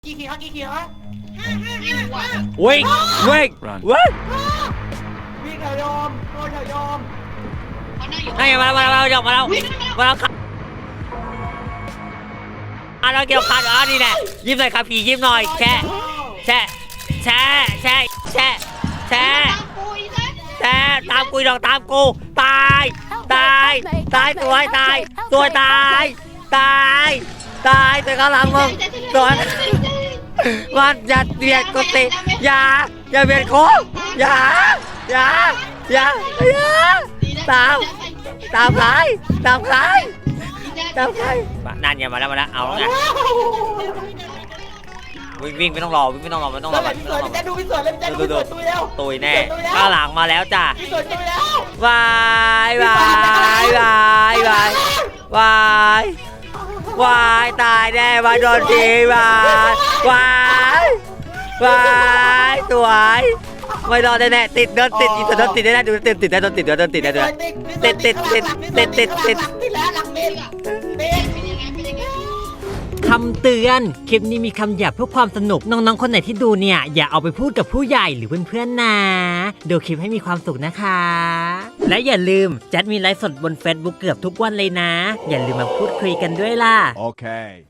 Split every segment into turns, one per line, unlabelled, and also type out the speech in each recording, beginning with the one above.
กี่ขีดกี่ขีด
ว
วะ
ิ่งวิ่งวิ่ง
วิ่งเถอะโยมโดนเถอะโยม
ให้มาหยอกมาแล้วครับเราเกี่ยวขาดนี่แหละยิ้มหน่อยครับผียิ้มหน่อยแช่ตามกูดอกตามกูตายสวยตายตัวข้างหลังมึงตัวมันอย่าเบียดกูสิอย่าเบียดกูอย่าตามใครนั่นอย่ามาแล้วเอาไงวิ่งไม่ต้องรอไม่ต้องรอ
พี่สวยพี่แจ๊ดูพี่สวยเล่นแจ๊ดูพี่สวยตุยแล้ว
ตุยแน่ข้างหลังมาแล้วจ้ะ
พี่สวยตุยแล้ว
วายตายแน่มาโดนทีวายสวยไม่รอดแน่ติดอีสโดนติดได้ดูติดได้โดนติดติดแล้วหลังติดคำเตือนคลิปนี้มีคำหยาบเพื่อความสนุกน้องๆคนไหนที่ดูเนี่ยอย่าเอาไปพูดกับผู้ใหญ่หรือเพื่อนๆนะดูคลิปให้มีความสุขนะคะและอย่าลืมแจ๊ดมีไลฟ์สดบน Facebook เกือบทุกวันเลยนะอย่าลืมมาพูดคุยกันด้วยล่ะ
โอเค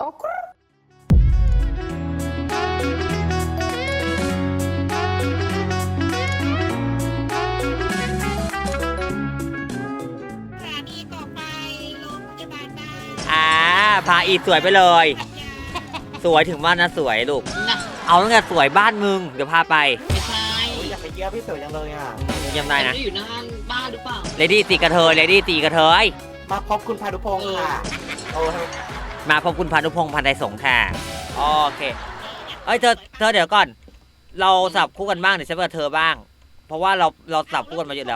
พาอีสวยไปเลยสวยถึงบ้านนะสวยลูกเอาตั้งแต่สวยบ้านมึงเดี๋ยวพาไป
ไม่ใช่
อยากไปเยี่ยมพี่สวยจังเลยอ่ะ
ยังได้นะ
อยู่หน้าบ้านหรือเปล่า
เลดี้ตีกระเทย
มาพบคุณพานุพงศ์ค่ะ
มาพบคุณพานุพงศ์พันไทยสงฆ์ค่ะโอเคเอ้ยเธอเดี๋ยวก่อนเราสับคู่กันบ้างเดี๋ยวฉันกับเธอบ้างเพราะว่าเราสับคู่กันมาเยอะแล้ว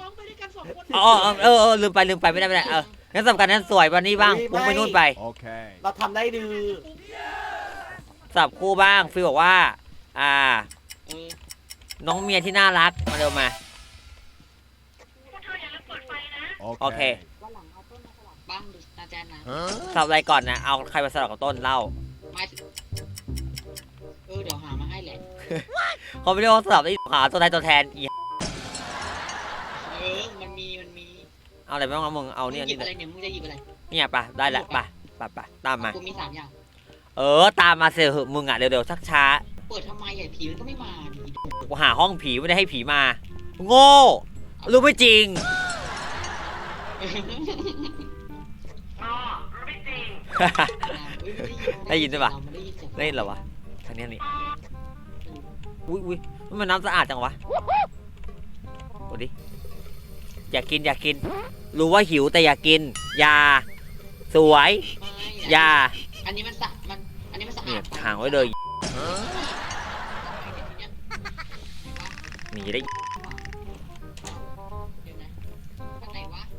ลืมไปไม่ได้งั้นสำคัญนั้นสวยวันนี้บ้างพุ่งไปนู่นไป
เราทำได้ดื้อ
สับคู่บ้างฟิลบอกว่าน้องเมียที่น่ารักมาเร็วมาโอเค
บ้างดูอาจารย์นะ
สับอะไรก่อนนะเอาใครมาสลับกับต้นเล่า
เดี๋ยวหามาให้แหละ
เขาไม่เรียกว่าสลับได้หาตัวแทนอี
มันมี
เอาอะไรไม่ต้องเอามึงเอาเนี่ย
นี่อะไรเนี่ยมึงจะหยิบอะไร
เนี่ยป่ะได้ละป่ะตามมา
กูมี3อย่าง
ตามมาเสียเหอะมึงอ่ะเร็วๆชักช้า
เปิดทำไมใหญ่ผีมันก็ไม่มา
กูหาห้องผีไม่ได้ให้ผีมาโง่รู้ไม่จริงได้ยินใช่ป่ะได้ยินเหรอวะทางนี้นี่อุ้ยมันน้ำสะอาดจังวะดูดิอยากกินรู้ว่าหิวแต่อยากกินยาสวยยา
อันนี้มันสะอาด
ห่างไว้เลยหนีได้
ไหนวะ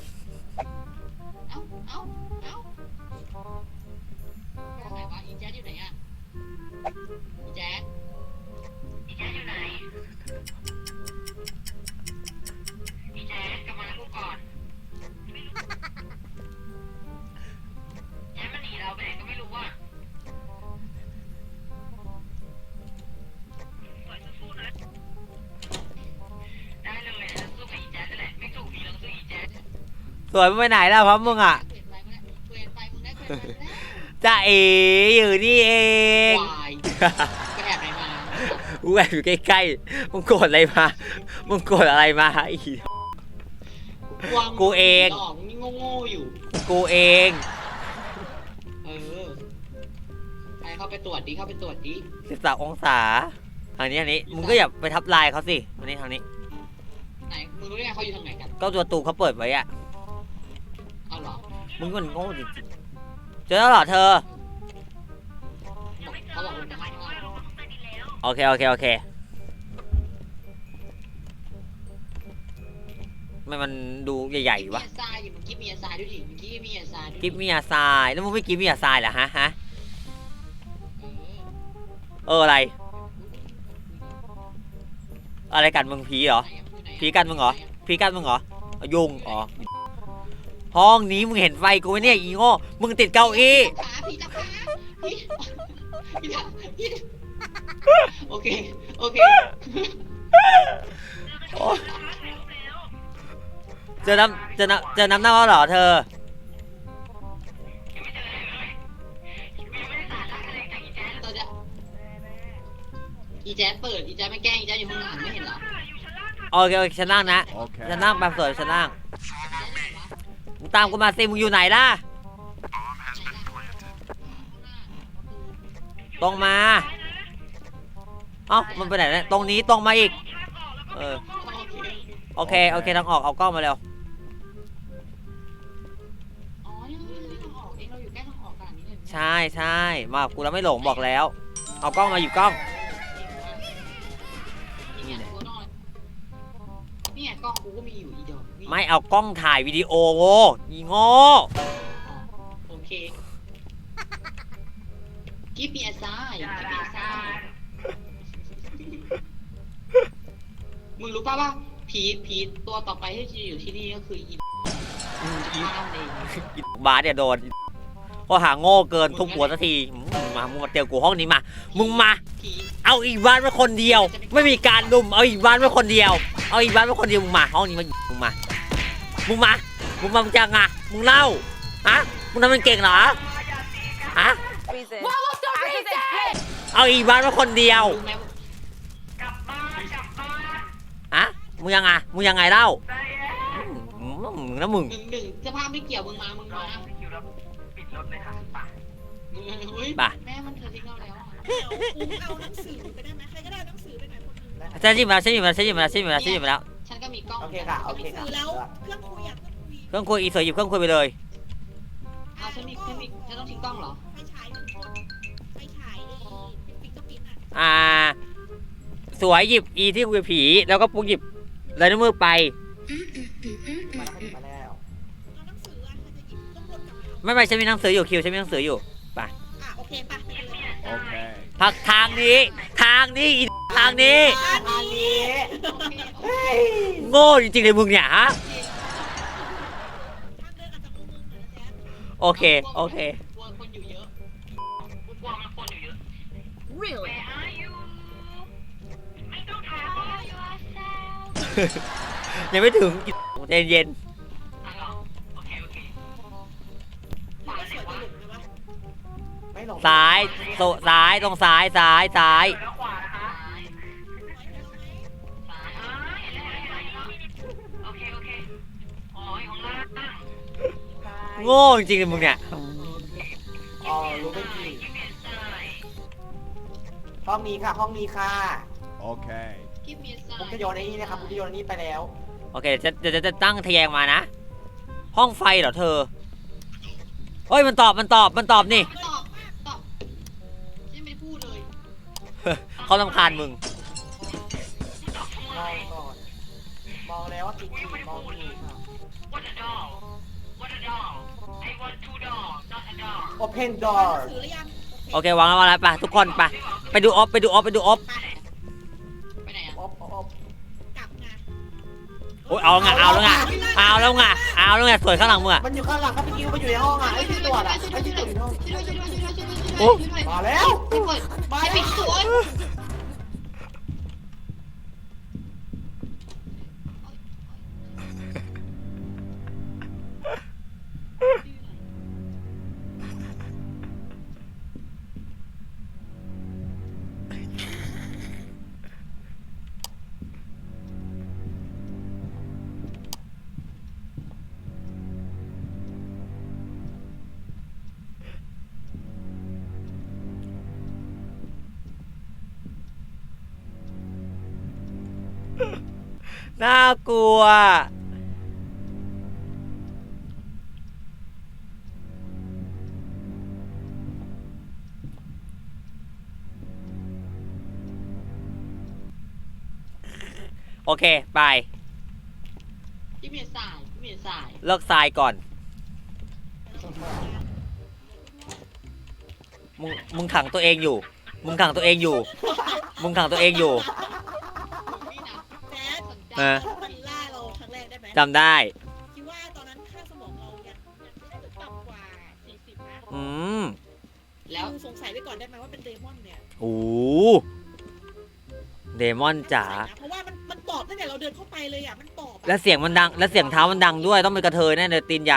ไหนวะอีแจ๊ดอยู่ไหนอ่ะอีแจ๊ดอยู่ไหนอีแจ๊ดกลับมาแล้วก่อนแจ๊ดมันหนีเราไปไหนก็ไม่รู้อ่ะ
สวยไปไหนแล้วพร้อมมึงอ่ะจ้าเอ๋อยู่นี่เอง
แอบไหนมา
กูแอบอยู่ใกล้ๆมึงโกรธอะไรมาอีกูเอง
นี่โง่อยู่
กูเอง
ไปเข้าไปตรวจดิ
13 องศาทางนี้มึงก็อย่าไปทับลายเขาสิทางนี้
ไหนมึงรู้ได้ไงเขาอยู่ทางไหนกัน
ก็ตัวตูเขาเปิดไว้อะ
เอาหรอ
มึงมันโง่จริงๆเจอแล้วเหรอเธอ
เขาบอกว่าจะให้
โอเคมันดูใหญ่ๆวะ
กิ๊บมีอาซายด้วยดิกิ๊บมีอาซาย
แล้วมึงไม่กิ๊บมีอาซายเหรอฮะอะไรกันมึงผีเหรอผีกันมึงเหรอยุงห้องนี้มึงเห็นไฟกูไหมเนี่ยอีโง่มึงติดเก้าอี้
โอเคโอเค
เจอน้ำเน่าแล้วเหรอเธอ
ตอนเนี้ยอีแจ๊ดเปิดอีแจ๊ดไม่แกล้งอีแจ๊ดอยู่ข้างหลังไม่เห็นเหรอ
โอเคฉันนั่งนะฉันนั่งแบบสวยฉันนั่งมึงตามกูมาสิมึงอยู่ไหนล่ะตรงมาเอ้ามันไปไหนเนี่ยตรงนี้ตรงมาอีกโอเคทางออกเอากล้องมาเร็ว
อ๋อนี่เราทางออกเองเราอยู่ใกล้ทางออกขนาดนี้เลย
ใช่มากับกูแล้วไม่หลงบอกแล้วเอากล้องมาหยิบกล้อง
นี่ไงตัวนอนนี่ไงกล้องกูก็มีอยู่อีดอก
ไม่เอากล้องถ่ายวิดีโอโวอีโง่
โอเคกิฟต์มีอาซายกิฟต์มีอาซายมึงรู้ป่ะว่าผีตัวต่อไปที่จะอยู่ที่นี่ก็คืออีบ้านเอง
อีบาสเนี่ยโดนก็หาโง่เกินทุกหัวสักทีมึงมาเตียวกูห้องนี้มามึงมา
ผี
เอาอีบ้านไว้คนเดียว ไม่มีการลุมเอาอีบ้านไว้คนเดียวเอาอีบ้านไว้คนเดียวมึงมาห้องนี้มามึงมามึงจะไงมึงเล่าอะมึงทำเป็นเก่งเหรออะเอาอีบ้านไว้คนเดียว
รู้ไหม
อะมึงยังไงเล่านะมึง
หนึ่งเสื้อผ้าไม่เกี่ยวมึงมาเฮ้ยแม่มันเธอทิ้งเราแล้ว
เอาหนังสือไปได้ไหมใครก็ได้หนังสือไปไหนคนนึง
ฉันหยิบมาแล้ว
ฉันก็มีกล้อง
โอเคค่ะโอเค
หนังสื
ค่ะ
อแล้วเครื่องคุยอ่ะเครื่องคุย
เครื่องคุยอีเสือหยิบเครื่องคุยไปเลย
เอาฉันต้องทิ้งกล้องเหรอ
ไฟฉายหนึ่งคนไฟฉายปิ๊กก็ปิ๊ก
อ
อ่ะ
สวยหยิบอีที่คุยผีแล้วก็ปุ๊กหยิบลายนิ้วมือไป
มาแล้ว
เอาหนังสืออ่ะใครจะหยิบต้องวนกลับมาเอา
ไม่ฉันมีหนังสืออยู่คิวฉันมีหนังสืออยู่
อ่ะโอเคป่ะไปกันเลย
Okay.
พักทางนี้อีทางนี้
อันนี้
โอเค
เฮ้ย
โง่จริงๆเลยมึงเนี่ยฮะ
ทางเดินอาจจะงงๆหน่อยนะแจ๊ค
โอเค
กลัวคนอยู่เยอะกลัวมันคนอยู่เยอะ
Really
ยังไม่ถึงใจเย็น
โอเค
มันก็สวยไปหลุมเลยวะ
ไม่หลง
ซ้ายตรงซ้าย
ขวานะคะ
ไว้แล้วไหม
อ๋ออยู่ข้างล่าง
โง่จริงๆเลยมึงเนี่ย
อ๋อรู้ไม่จริงห้องนี้ค่ะห้องนี้ค่ะ
Okay.
กิฟต์มีไซ
ผมจะโยนไอ้นี่นะครับผมจะโยนไอ้นี่ไปแล้ว
โอเคเดี๋ยวจะตั้งทะแยงมานะ ห้องไฟเหรอเธอเฮ้ยมันตอบนี่
ตอบฉันไม่ได้พูดเลย
เขารำคาญมึง
มองก่อนมองแล้วว่าติดจีมองอยู่ค่ะ Open
ห
door
นังสือหรือยัง
โอเควางแล้วไปทุกคนไปดูออฟ
ไปไหนอ่ะ
อบ
กลับไง
โอ้ยเอาแล้วไงสวยข้างหลังมึงอะ
มันอยู่ข้างหลังครับพี่คิวมันอยู่ในห้องอ่ะไอ้ที่ตรวจอ่ะไอ้ที่ตรวจอยู่ในห้อง
โอ้
มาแล้ว
เปิด
มา
ปิ
แล้ว
ดตัว
น่ากลัวโอเคไป
กิฟต์มีไซ
เลิกทรายก่อน มึงขังตัวเองอยู่
นี่นะ
แจ๊ด
เออ
มันล่าเราครั้งแรกได้ไหม
จำได้
คิดว่าตอนนั้นค่าสมองเรายังไม่น่าจะต่ำกว่า40นะ
อืม
แล้ว
สงสัยไว้ก่อนได้ไหมว่าเป็นเดโม
โอ้เดมอนจ๋า
เพราะว่ามันตอบตั้งแต่เราเดินเข้าไปเลยอ่ะมันตอบ
แล้วเสียงมันดัง แล้วเสียงเท้ามันดังด้วย ต้องเป็นกระเทยแน่เลยตีนใหญ่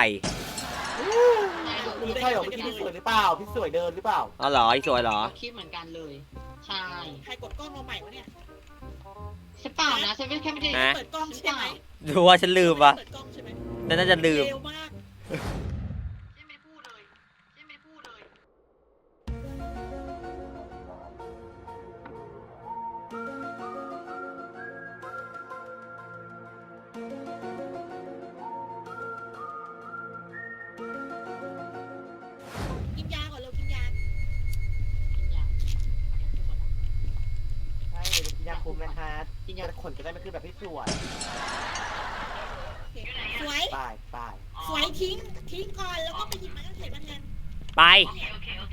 พี่ใช่เหรอเมื่อกี้พี่สวยหรือเปล่าพี่สวยเดินหรือเปล่า
อ๋อเหรออีสวยเหรอ
คิดเหมือนกันเลย ใช่
ใครกดกล้องมาใหม่วะเนี่ย
ใช่เปล่านะฉันไม่แค่ไม่ได้
ฮะ
เปิดกล้องใช่ไหม
ดูว่าฉันลืมปะ
เปิดกล้องใช่ไหม
น่าจะลืม
เร็วมาก
ฉันไม่ได้พูดเลยฉันไม่ได้พูดเลย
กินยาก่อนเร็วกินยา
อย่างพูดหมดละ
ใช่เดี๋ยวกินยาคุมนะคะ
กินยา
ขนจะได้ไม่ขึ้นแบบพี่สวย
โอเคสวย
ป้ายป้าย
สวยทิ้งก่อนแล้วก็ไปหยิบไม้กางเขนมาแทน
ไป
โอเค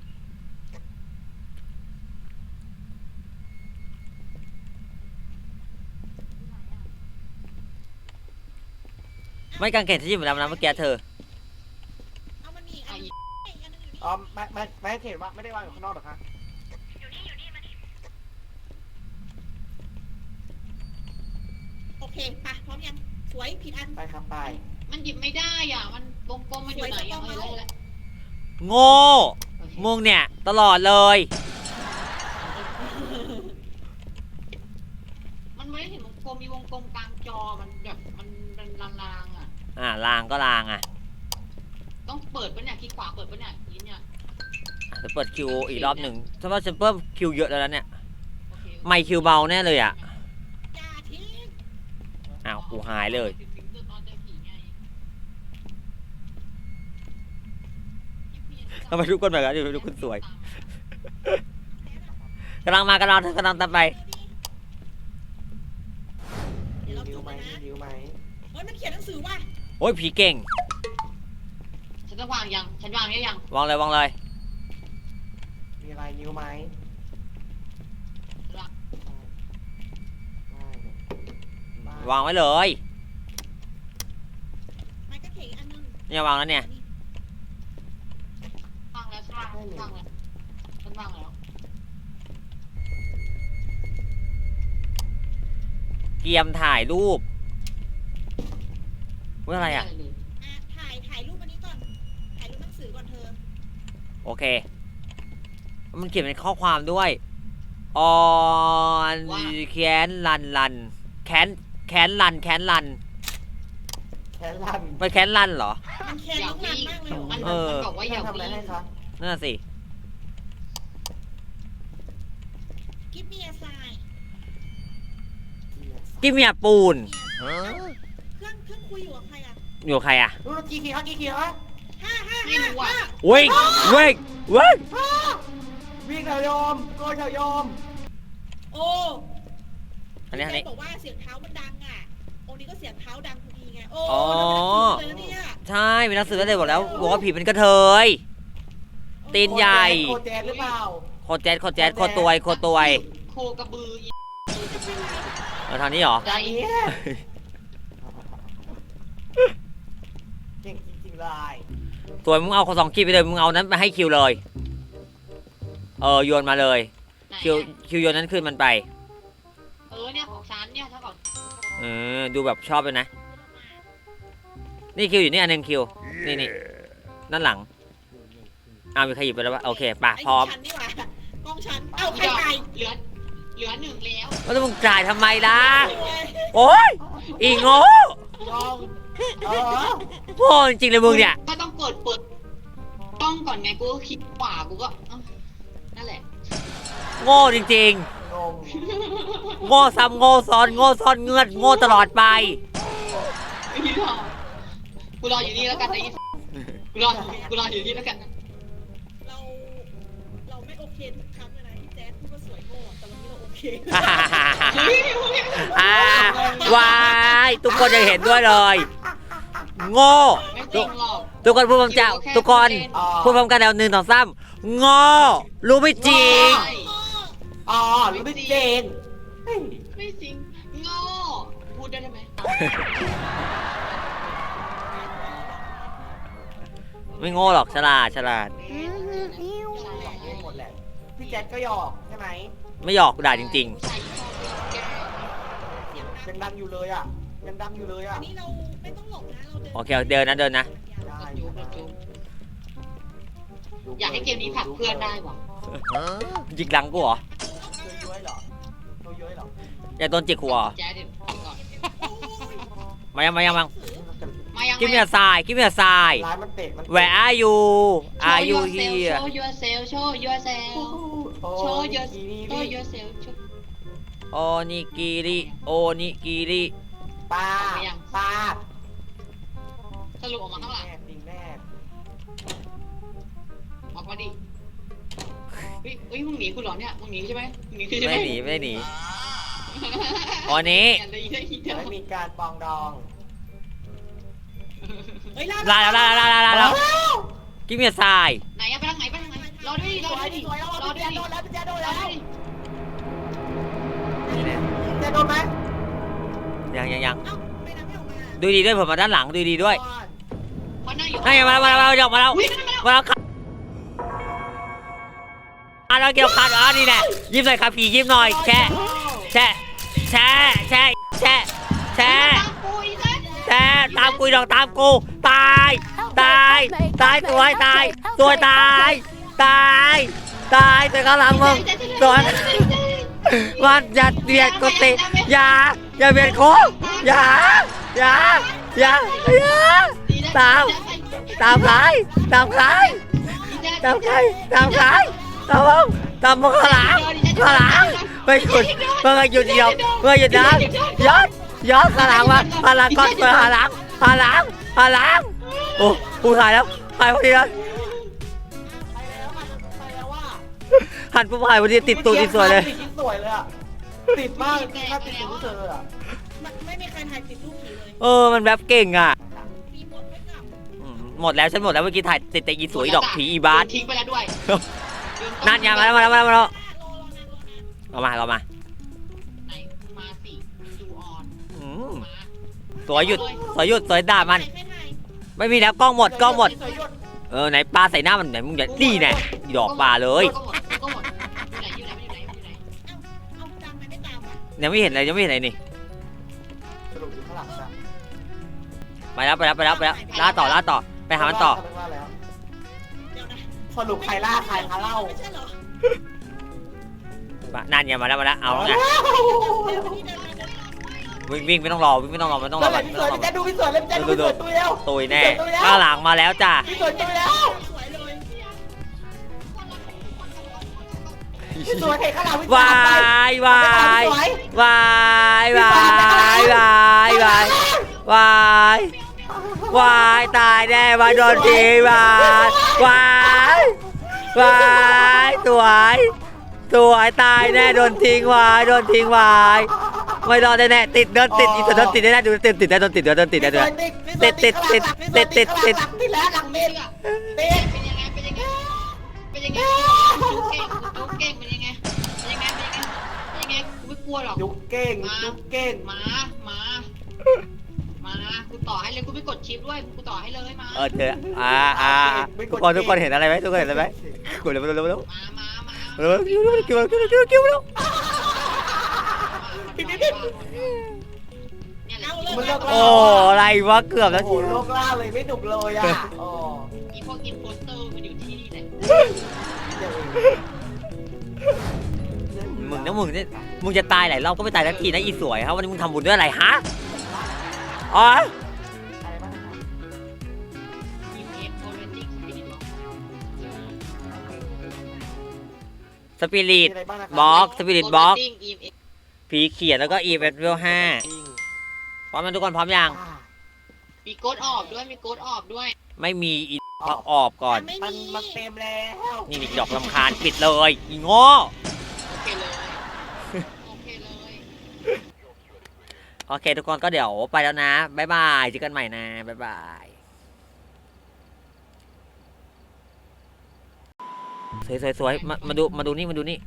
ไม่กางเกงที่อยู่แล้วนะเมื่อกี้เธอ
เอามันนี่อันนี้อันนึงอยู่นี่
อ๋อไม่เห็นว่าไม่ได้วางอยู่ข้างนอกหรอคะ
โอเคไปพร้อมยังสวยผิดอัน
ไปครับไป
มันหยิบไม่ได้อ่ะ มันกลมๆมันอยู่ไหนอ่ะไม่รู้แล้ว
โง่มึงเนี่ย ตลอดเลย
มันไม่ได้เห็นวงกลมมีวงกลมกลางจอ มันแบบมันเป็นลางๆอ่ะ
ลางก็ลางอ่ะ
ต้องเปิดปะเนี่ยคลิกขวาเปิดปะเนี่ยลิ้นเนี่ย
จะเปิดคิวอีกรอบหนึ่งเพราะว่าฉันเพิ่มคิวเยอะแล้วนะเนี่ย
โอเค
ไม่คิวเบาแน่เลยอ่ะ
อย่าทิ้ง
อ้าวกูหายเลย
ตอนเจอผีไง
ทำไมทุกคนแบบนั้นทุกคนสวยกำลังมากำลังตามไป
เดี๋ยวเรา
นิ้
จุ
ว
ด
ไหม
นะ
นิ้วไหม
เฮ้ยมันเขียนหนังสือว่ะ
โอ้ยผีเก่ง
ฉันจะวางยัง ฉันวางได้ยัง
วางเลย
มีอะไรนิ้วไหม
วางไว้เลย
ไม้กางเขนอีกอันนึง
เนี่ยวางแล้วเนี่ย
วางแล้วฉันวางแล้วฉันวางแล้ว
เกียมถ่ายรูปว่าอะไรอ่ะ
อ่ะถ่ายรูปอันนี้ก่อนถ่ายรูปหนังสือก่อนเธอ
โอเค มันเขียนเป็นข้อความด้วย on แค้นลันแค้นลัน
แค่ลั่น
ไปแค้นลันเหรอ
มันแค้น
อย่า
น้อง
วิ่
รัน
ง
มากเลยเหรอ
มัน
เออ
บอกว่าอย่า
ทำอะไร
วิ่ง
ให้คะ
นั่นนะสิ
กิฟต์มีอาไซน์
กิมเมียปูน
เครื่องคุยอยู่กับใครอ่ะ
อยู่ใครอ่ะ
รู้กี่ขีดกี่ขีดฮะ
ไม่รู้อ่ะ
วิ่ง
วิ่งแถวยอมโกยแถวยอม
โอ้
อันนี้
บอกว่าเสียงเท้ามันดังอ่ะองค์นี้ก็เสียงเท้าดังพอดีไงโอ้
อ๋อ
เราเป็นนักสืบเลยนะเนี่ย
ใช่เป็นหนังสือแล้วเลยบอกแล้วบอกว่าผีเป็นกระเทย ตีนใหญ่
โคแจนหรือเปล่า
โคแจ๊ดโคตวย
โคกระบืออี
เอาทางนี้เหรอ
ใจ
เนี่ยเก่งจริงๆเลย
สวยมึงเอาสองคิวไปเลยมึงเอานั้นไปให้คิวเลยโยนมาเลย
ไหน
คิวโยนนั้นคืนมันไป
เนี่ยของฉันเนี่ยถ้าบอก
ดูแบบชอบเลยนะ นี่คิวอยู่นี่อันหนึงคิวนี่ด้านหลังมีใครหยิบไปแล้ววะโอเคป่ะพร้อม
ไฉันนี่หว่ากล้องฉันเอ้าใครไป
เหลือหนึ่งแล้ว
แล้วมึงจ่ายทำไมล่ะ
โอ้ย
โอ๊ยอีโง่
ยอม
โง่จริงๆเลยมึงเนี่ย
ก็ต้องเปิดกล้องก่อนไงกูก็คลิกขวากูก็นั่นแหละ
โง่จริง
งง
ๆ โง่ซ้ำโง่ซ้อนเงือดโง่ตลอดไป
ไอ้นี่หรอกูรออยู่นี่แล้วกันไอ้กูรออยู่นี่แล้วกัน
เราไม่โอเคทุกครั้งเลยนะที่แจ๊ดพูดว่าสวยโง่แต่วันนี้เราโอเค
วายทุกคนยังเห็นด้วยเลย โง่
ไม่จริงหรอก
ทุกคนพูดพร้อมกันทุกคนพูดพร้อมกันแล้ว1 2 3โง่รู้ไม่จริง
อ๋อรู้ไม่เจน
ไม่จริงโง่พูดได้ไหม
ไม่โง่หรอกฉลาด
หมดแหละพี่แจ็คก็หยอกใช่ไหม
ไม่หยอกด่าจริง
ผู้ชายชอบแก
ยังดังอยู่เลยอ่ะยังดังอยู่เลยอ่ะ
อันนี้เราไม่ต้องหลบนะเราเดิน
ๆโอเคเดินนะเดินนะ
ได้
จูบอยากให้เกมนี้ผลักเพื่อนได้ว่ะ
จิกหลังกูเหรอ
เย้ยๆเหรอเย้ยๆเหรอ
อยากโดนจิกหัวเหรอ
แจ๊ดเดี๋ยวก่อน
มายังมายังมา
มายัง
give me a sign give me a sign
ร้ายมันเตะมัน
where are you are you here
show yourself show yourself
โอ้
show
ย
yourself
โอนิกิริโอนิกิริ
ป้าป้า
สรุปออกมาข้างหลัง
แน่จริงแน่
ออกมาดิเฮ้ยมึงหนีกูเหรอเนี่ยมึงหนีใช่ไหมมึงหนีใช่ไหม
ไม่หนีไม่หนีวันนี้
ไม่มีการปองดอง
เฮ้ย
ลาแล้ว give me a sign
ไหนอะไปทางไหนรอด้วย
สวยดิสวยแล้ว
รอ
พี่
ด้วย
แจ๊คโดนแล้วพี่แจ๊คโดนแล้ว
นี่แน่
พี่แจ๊คโดนไหม
เ
ยัง
อ้าไม่นะไม่ออกมา
ดูดีด้วยผมมาด้านหลังดูดีด้วย
มันนั่งอยู่
ให้มาแล้วมาแล้ว
วิ่งมาแล้ว
มาแล้วเกี่ยวขาดนี่แน่ยิ้มหน่อยครับผียิ้มหน่อยแชะแชะแชะแชะแชะแชะ
ปุยแล้ว
แชะตามกูดอกตามกูตายสวยตายแต่ข้างหลังมึงสวยมันอย่าเบียดกูติอย่าเบียดกูอย่าตามใครตามมึงข้างหลังไม่หยุดเมื่อหยุดเดียวเมื่อหยุดนะย้อนข้างหลังมาข้างหลังก่อนเปิดข้างหลังโอ้กูถ่ายแล้วถ่ายพอดีแล้ว
ไปแล้วว่า
หันปุ๊บถ่ายพอดีติดตูติดสวยเลย
ติดสวยเลยอ่ะติดมากถ้าติดตูเจออ่ะ
ไม่มีใครถ่ายติดรูปผีเลย
มันแบบเก่งอ่ะ
มีหมดไม่กลับ
หมดแล้วฉันหมดแล้วเมื่อกี้ถ่ายติดแต่อีสวยดอกผีอีบาส
ทิ้งไปแล้วด้วย
นั่นไงมาแล้ว
รอนาน
เอามา
ไหนมาสิดูออน มา
สวยหยุดสวยด่ามัน
ไม่ถ่าย
ไม่มีแล้วกล้องหมด
สวยหยุด
ไหนปลาใส่หน้ามันไหนมึงอย่านี่แน่ดอกปลาเลย
ก็หมดอยู่ไหน
เอาจำมันไม่ตามวะ
ยังไม่เห็นอะไรนี่
สรุปอยู่ข้างหลังจ้ะ
ไปแล้วล่าต่อไปหามันต่อ
ว่าแล้ว
เดี๋ยวนะ
สรุปใครล่าใครคะเล่า
ไม่ใช่เหรอ
นั่นไงมาแล้วเอาไง
เดี๋ยวนี่เดินมาเดินมา
วิ่งไม่ต้องรอไม่ต้องรอ
แล้วไหนพี่สวยพี่แจ๊คดูพี่สวยเลยพี่แจ๊คดูพี่สวยตัวเดียว
ตุยแน่ข้างหลังมาแล้วจ้ะ
พี่สวยตัวแล้ว
สวยเลย
พี่สวยใครข้างหลังพี่สว
วายตายแน่มาโดนทีวายสวยตายแน่โดนทิ้งวายไม่รอดแน่ติดอีสุดโดนติดแน่ดูติดได้โดนติดด้วย
ติดแล้วหลังเม็ดติด
เป็นยังไงจุ๊กเก่งเป็นยังไงกูไม่กลัวหรอก
ยุกเก่ง
มากูต่อให้เลยกูไม่กดชิปด้วยกูต่อให้เลยมา
เธอทุกคนเห็นอะไรไหมกดเร็ว
มา
กิ้ว
เนี่ยแหละ
มันเลิก
โอ้อะไรวะเกือบแล้ว
โอ้โลกล่าเลยไม่ดุเลยอ่ะอ๋อ
อีพวกอินโพสเตอร์มันอยู่ที่นี่แหละ
มึงจะตายหลายรอบก็ไม่ตายสักทีนะอีสวยครับวันนี้มึงทำบุญด้วยอะไรฮะอ๋อ
EMF Orienting Spirit
สปิริต บล็อกสปิริตบล็อกผีเขียนแล้วก็อีเวนต์เวล5พร้อมกันทุกคนพร้อมยัง
มีโกดออกด้วย
ไม่มีอีพักออกก่อน
มันเต็มแล้ว
นี่ดอกลำคาญปิดเลยอีโง่
โอเคเลย
โอเคทุกคนก็เดี๋ยวไปแล้วนะบ๊ายบายเจอกันใหม่นะบ๊ายบายสวยมาดูนี่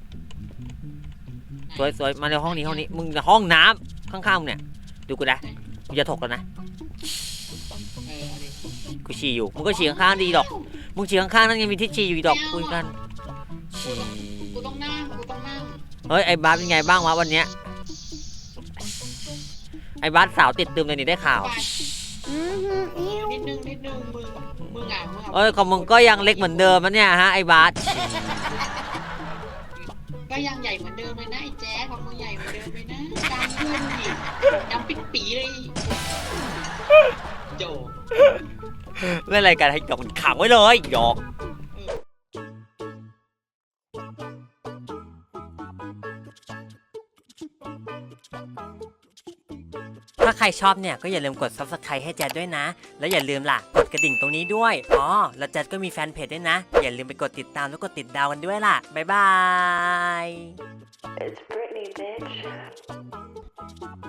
สวยมาในห้องนี้มึงห้องน้ำข้างๆมึงเนี่ยดูกูนะกูจะถกแล้วนะกูฉี่อยู่มึงก็ฉี่ข้างๆดีดอกมึงฉี่ข้างๆนั่นยังมีที่ฉี่อยู่ดอกคุยกันฉี่เฮ้ยไอ้บาสเป็นไงบ้างวะวันเนี้ยไอ้บาสสาวติดตึมเลยนี่ได้ข่าว
นิดนึงมึงอ่ะ
เอ้ยของมึงก็ยังเล็กเหมือนเดิมนะเนี่ยฮะไอ้บาส
ก็ยังใหญ่เหมือนเดิมเลยนะไอ้แจ๊ของมึงใหญ่เหมือนเดิมเลยนะดำด้วยดิดำปิดปีเลยโจ
เล่นอะไรกันให้หยอกขังไว้เลยหยอกถ้าใครชอบเนี่ยก็อย่าลืมกด Subscribe ให้แจดด้วยนะ แล้วอย่าลืมล่ะกดกระดิ่งตรงนี้ด้วยอ๋อแล้วแจดก็มีแฟนเพจด้วยนะ อย่าลืมไปกดติดตามแล้วกดติดดาวกันด้วยล่ะบ๊ายบาย
It's Britney, bitch.